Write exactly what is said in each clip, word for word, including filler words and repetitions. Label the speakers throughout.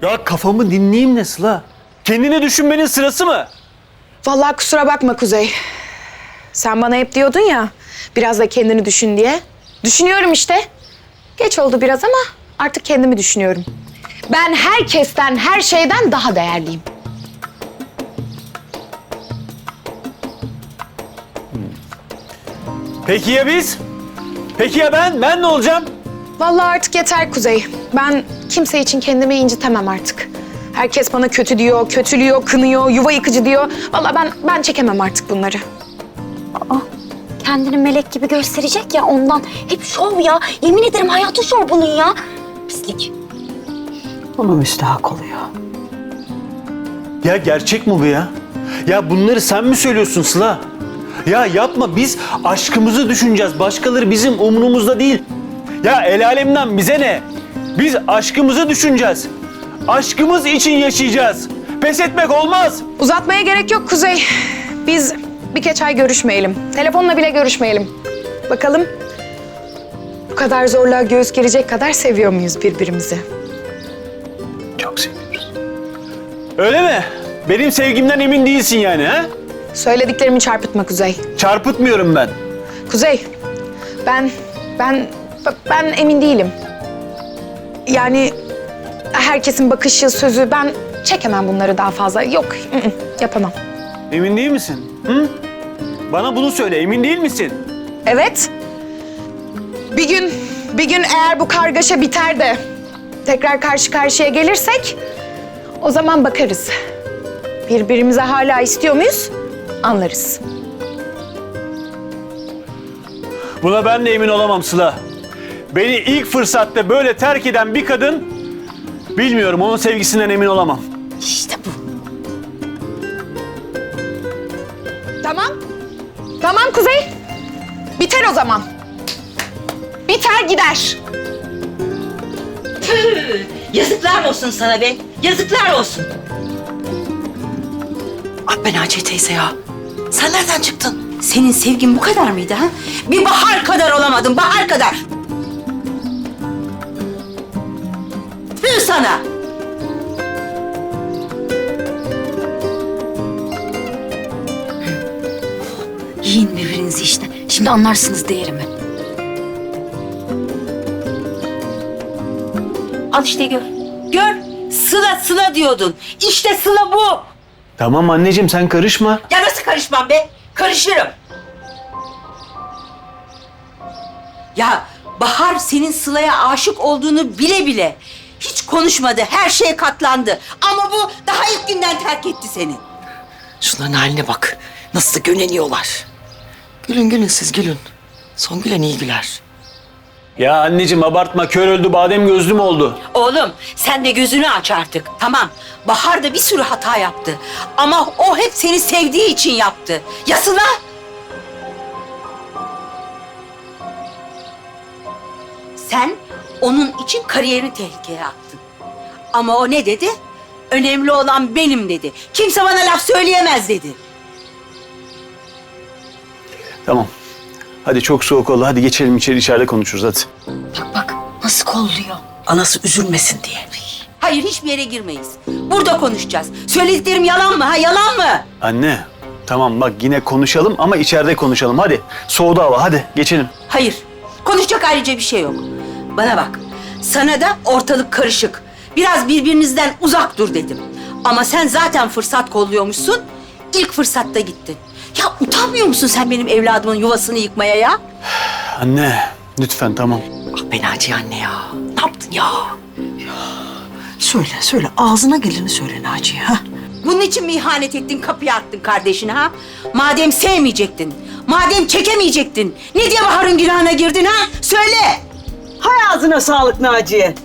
Speaker 1: Ya kafamı dinleyeyim ne Sıla? Kendini düşünmenin sırası mı?
Speaker 2: Vallahi kusura bakma Kuzey. Sen bana hep diyordun ya, biraz da kendini düşün diye. Düşünüyorum işte. Geç oldu biraz ama artık kendimi düşünüyorum. Ben herkesten, her şeyden daha değerliyim.
Speaker 1: Peki ya biz? Peki ya ben? Ben ne olacağım?
Speaker 2: Vallahi artık yeter Kuzey. Ben kimse için kendimi incitemem artık. Herkes bana kötü diyor, kötülüyor, kınıyor, yuva yıkıcı diyor. Vallahi ben ben çekemem artık bunları.
Speaker 3: Aa, kendini melek gibi gösterecek ya ondan. Hep şov ya. Yemin ederim hayatı şov bunun ya. Pislik.
Speaker 4: Buna müstahak oluyor.
Speaker 1: Ya gerçek mi bu ya? Ya bunları sen mi söylüyorsun Sıla? Ya yapma, biz aşkımızı düşüneceğiz. Başkaları bizim umurumuzda değil. Ya el alemden bize ne? Biz aşkımızı düşüneceğiz. Aşkımız için yaşayacağız. Pes etmek olmaz.
Speaker 2: Uzatmaya gerek yok Kuzey. Biz birkaç ay görüşmeyelim. Telefonla bile görüşmeyelim. Bakalım bu kadar zorluğa göğüs gelecek kadar seviyor muyuz birbirimizi?
Speaker 1: Çok seviyoruz. Öyle mi? Benim sevgimden emin değilsin yani ha?
Speaker 2: Söylediklerimi çarpıtma Kuzey.
Speaker 1: Çarpıtmıyorum ben.
Speaker 2: Kuzey, ben, ben, ben emin değilim. Yani herkesin bakışı, sözü, ben çekemem bunları daha fazla. Yok, ı ı, yapamam.
Speaker 1: Emin değil misin? Hı? Bana bunu söyle, emin değil misin?
Speaker 2: Evet. Bir gün, bir gün eğer bu kargaşa biter de tekrar karşı karşıya gelirsek o zaman bakarız. Birbirimize hala istiyor muyuz? Anlarız.
Speaker 1: Buna ben de emin olamam Sıla. Beni ilk fırsatta böyle terk eden bir kadın, bilmiyorum, onun sevgisinden emin olamam.
Speaker 3: İşte bu.
Speaker 2: Tamam. Tamam Kuzey. Biter o zaman. Biter gider.
Speaker 5: Yazıklar olsun sana be. Yazıklar olsun.
Speaker 4: Ah be Naciye teyze ya. Sen nereden çıktın?
Speaker 5: Senin sevgin bu kadar mıydı ha? Bir Bahar kadar olamadın, Bahar kadar. Tüh sana.
Speaker 3: Yiyin birbirinizi işte. Şimdi anlarsınız değerimi.
Speaker 5: Al işte gör. Gör. Sıla Sıla diyordun. İşte Sıla bu.
Speaker 1: Tamam anneciğim, sen karışma.
Speaker 5: Ya nasıl karışmam be? Karışırım. Ya Bahar senin Sıla'ya aşık olduğunu bile bile hiç konuşmadı. Her şeye katlandı. Ama bu daha ilk günden terk etti seni.
Speaker 4: Şunların haline bak. Nasıl da göneniyorlar. Gülün gülün siz gülün. Son gülen iyi güler.
Speaker 1: Ya anneciğim abartma, kör öldü badem gözlüm oldu.
Speaker 5: Oğlum sen de gözünü aç artık. Tamam. Bahar da bir sürü hata yaptı. Ama o hep seni sevdiği için yaptı. Ya Sıla? Sen onun için kariyerini tehlikeye attın. Ama o ne dedi? Önemli olan benim dedi. Kimse bana laf söyleyemez dedi.
Speaker 1: Tamam. Hadi çok soğuk oldu. Hadi geçelim içeri, içeride konuşuruz hadi.
Speaker 3: Bak bak nasıl kolluyor.
Speaker 4: Anası üzülmesin diye.
Speaker 5: Hayır, hiçbir yere girmeyiz. Burada konuşacağız. Söylediklerim yalan mı ha? Yalan mı?
Speaker 1: Anne, tamam bak yine konuşalım ama içeride konuşalım. Hadi. Soğudu hava, hadi geçelim.
Speaker 5: Hayır. Konuşacak ayrıca bir şey yok. Bana bak. Sana da ortalık karışık. Biraz birbirinizden uzak dur dedim. Ama sen zaten fırsat kolluyormuşsun. İlk fırsatta gittin. Ya utanmıyor musun sen benim evladımın yuvasını yıkmaya ya?
Speaker 1: Anne, lütfen tamam.
Speaker 4: Ah be Naciye anne ya. Ne yaptın ya? Ya. Söyle söyle ağzına geleni söyle Naciye ha.
Speaker 5: Bunun için mi ihanet ettin, kapıya attın kardeşini ha? Madem sevmeyecektin, madem çekemeyecektin, ne diye Bahar'ın günahına girdin ha? Söyle!
Speaker 4: Hay ağzına sağlık Naciye.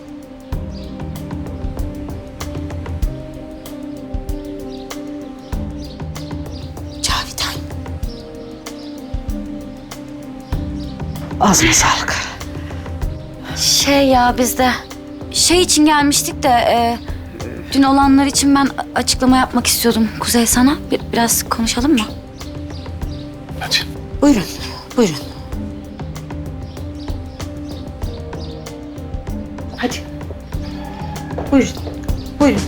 Speaker 5: Cavidan.
Speaker 4: Ağzına sağlık.
Speaker 3: Şey ya biz de şey için gelmiştik de e, dün olanlar için ben açıklama yapmak istiyordum Kuzey sana. Bir, biraz konuşalım mı?
Speaker 1: Hadi.
Speaker 4: Buyurun buyurun. Hadi. Buyurun. Buyurun.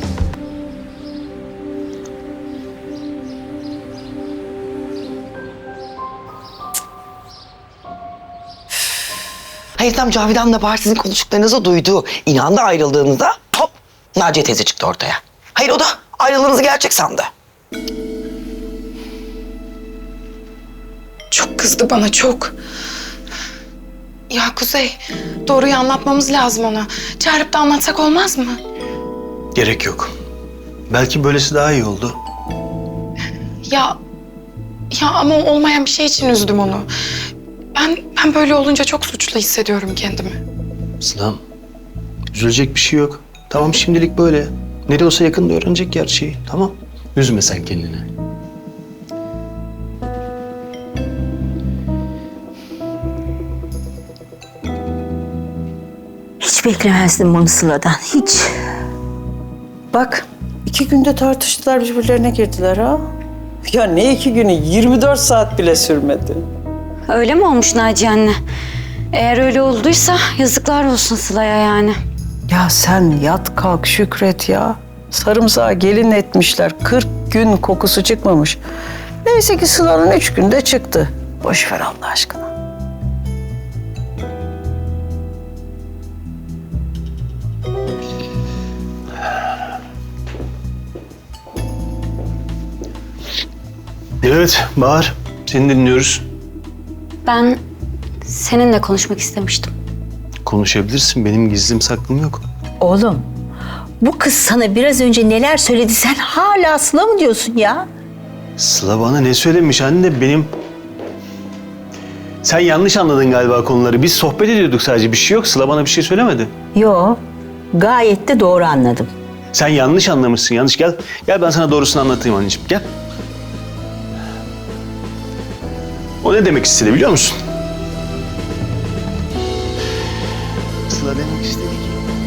Speaker 4: Hayır tam Cavidan da Bahar sizin konuştuklarınızı duydu. İnandı ayrıldığınızda hop Naciye teyze çıktı ortaya. Hayır o da ayrılığınızı gerçek sandı.
Speaker 2: Çok kızdı bana, çok. Ya Kuzey, doğruyu anlatmamız lazım ona. Çağırıp da anlatsak olmaz mı?
Speaker 1: Gerek yok. Belki böylesi daha iyi oldu.
Speaker 2: Ya, ya ama olmayan bir şey için üzdüm onu. Ben, ben böyle olunca çok suçlu hissediyorum kendimi.
Speaker 1: Sıla'm, üzülecek bir şey yok. Tamam şimdilik böyle. Nereye olsa yakında öğrenecek gerçeği. Tamam. Üzme sen kendini.
Speaker 6: Hiç beklemezdim bunu Sıla'dan, hiç.
Speaker 7: Bak, iki günde tartıştılar, birbirlerine girdiler ha. Ya ne iki günü, yirmi dört saat bile sürmedi.
Speaker 3: Öyle mi olmuş Naciye anne? Eğer öyle olduysa yazıklar olsun Sıla'ya yani.
Speaker 7: Ya sen yat kalk şükret ya. Sarımsağı gelin etmişler, kırk gün kokusu çıkmamış. Neyse ki Sıla'nın üç günde çıktı. Boş ver Allah aşkına.
Speaker 1: Evet Bahar. Seni dinliyoruz.
Speaker 3: Ben seninle konuşmak istemiştim.
Speaker 1: Konuşabilirsin. Benim gizlim saklım yok.
Speaker 6: Oğlum, bu kız sana biraz önce neler söyledi, sen hala Sıla mı diyorsun ya?
Speaker 1: Sıla bana ne söylemiş anne? Benim... Sen yanlış anladın galiba konuları. Biz sohbet ediyorduk sadece. Bir şey yok. Sıla bana bir şey söylemedi.
Speaker 6: Yo, gayet de doğru anladım.
Speaker 1: Sen yanlış anlamışsın. Yanlış. Gel. Gel ben sana doğrusunu anlatayım anneciğim. Gel. O ne demek istedi biliyor musun? Sıla demek istedi ki